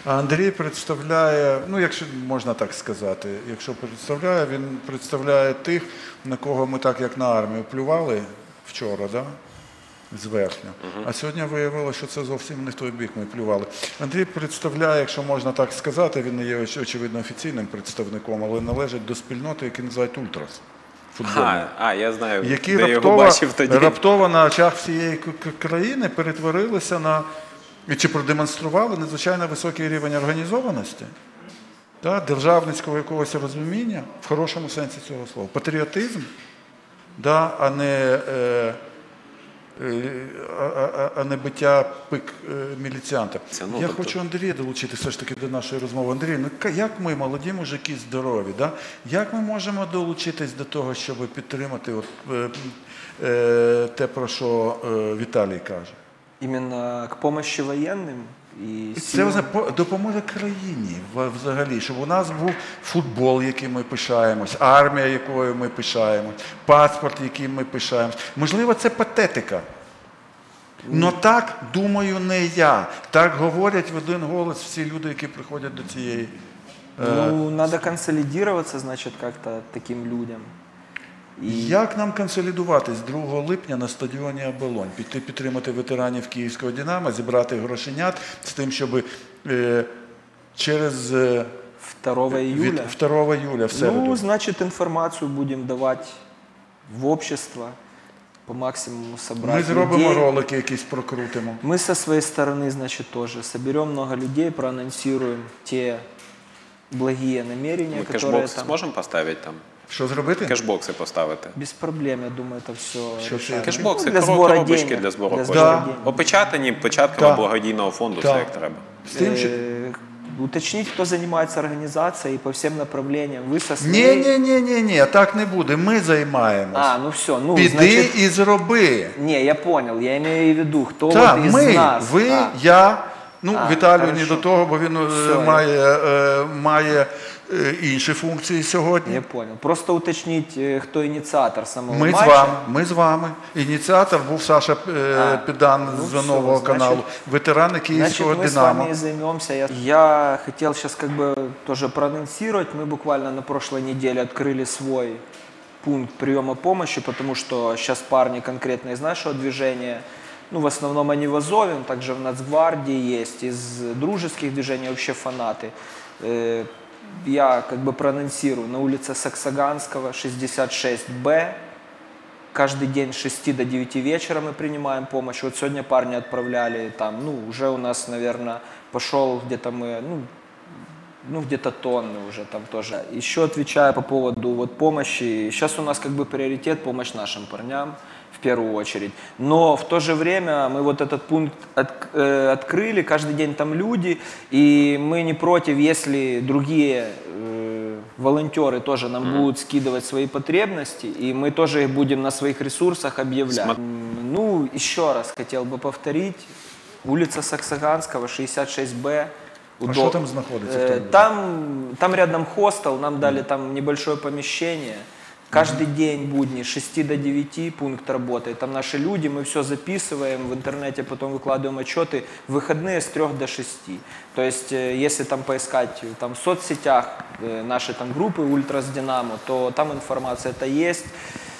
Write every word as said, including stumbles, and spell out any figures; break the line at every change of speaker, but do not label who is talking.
А Андрій представляє, ну якщо можна так сказати, якщо представляє, він представляє тих, на кого ми так як на армію плювали вчора, да? Зверхньо. Uh-huh. А сьогодні виявилося, що це зовсім не в той бік ми плювали. Андрій представляє, якщо можна так сказати, він не є очевидно офіційним представником, але належить до спільноти, яку називають Ультрас.
А, а, я знаю,
які
де
раптово,
його бачив тоді.
раптово на очах всієї країни перетворилися на, чи продемонстрували надзвичайно високий рівень організованості, та, державницького якогось розуміння, в хорошому сенсі цього слова, патріотизм, да, а не... Е, А, а не биття пик міліціанта. Це, ну, Я тобто... хочу Андрія долучити все ж таки до нашої розмови. Андрій, ну як ми, молоді мужики, здорові, да? Як ми можемо долучитись до того, щоб підтримати от, е, е, те, про що е, Віталій каже?
Іменно к помощі воєнним? І
це допоможе країні взагалі, щоб у нас був футбол, яким ми пишаємось, армія, якою ми пишаємось, паспорт, яким ми пишаємось. Можливо, це патетика. Но так, думаю, не я. Так говорять в один голос всі люди, які приходять до цієї...
Ну, треба консолідуватися, значить, як-то таким людям.
І... Як нам консолідуватись другого липня на стадіоні «Оболонь»? Піти підтримати ветеранів Київського «Динамо», зібрати грошенят з тим, щоб е, через... Е,
второго июля?
второго июля, в середу.
Ну, значит, информацию будем давать в общество, по максимуму собрать
Ми зробимо
людей.
ролики якісь, прокрутимо.
Мы со своей стороны, значит, тоже соберем много людей, проанонсируем те благие намерения,
Мы
которые
кэшбокс
там...
сможем поставить там?
Що зробити?
Кэшбокси поставити.
Без проблем, я думаю, это все решаемо.
Кешбокси,
Ну, для збору
коробочки
денег.
для збору
Для
коштів.
збору
Да.
денег.
Опечатані початками
Так.
благодійного фонду,
Так.
все як треба.
З тим, що...
Э, Уточнить, кто занимается организацией по всем направлениям. Вы со своей...
Ні, ні, ні, ні, ні, так не буде. Ми займаємось.
А, ну все, ну,
Піди
значит...
і зроби.
Не, я понял, я имею в виду, кто
Так,
вот из
ми,
нас.
ви,
А.
я, ну,
А,
Віталію
хорошо.
не до того, бо він е,
Все,
має, е, має е, інші функції сьогодні.
Я понял. Просто уточнить, э, кто инициатор самого
Ми з
матча.
вами, ми з вами. Ініціатор був Саша е,
А,
Підан
ну
з
все,
нового
значить-
каналу, ветерани Київського
Значит, мы с
«Динамо».
вами и займемся. Я, я хотел сейчас как бы тоже проанонсировать. Мы буквально на прошлой неделе открыли свой пункт приема помощи, потому что сейчас парни конкретно из нашего движения, ну, в основном они в Азове, также в Нацгвардии есть, из дружеских движений вообще фанаты. Э, Я как бы проанонсирую на улице Саксаганского, шестьдесят шесть Б. Каждый день с шести до девяти вечера мы принимаем помощь. Вот сегодня парни отправляли там, ну, уже у нас, наверное, пошел где-то мы, ну, ну где-то тонны уже там тоже. Еще отвечая по поводу вот помощи, сейчас у нас как бы приоритет помощь нашим парням в первую очередь. Но в то же время мы вот этот пункт от, э, открыли, каждый день там люди, и мы не против, если другие э, волонтеры тоже нам mm-hmm. будут скидывать свои потребности, и мы тоже их будем на своих ресурсах объявлять. Сма- ну, еще раз хотел бы повторить, улица Саксаганского, шестьдесят шесть Б.
А що там знаходиться?
Э, там, там рядом хостел, нам дали mm-hmm. там небольшое помещение. Каждый mm-hmm. день будни с шести до девяти пункт работает. Там наши люди, мы все записываем, в интернете потом выкладываем отчеты. В выходные с трех до шести. То есть, если там поискать там, в соцсетях наши там группы Ультрас Динамо, то там информация это есть.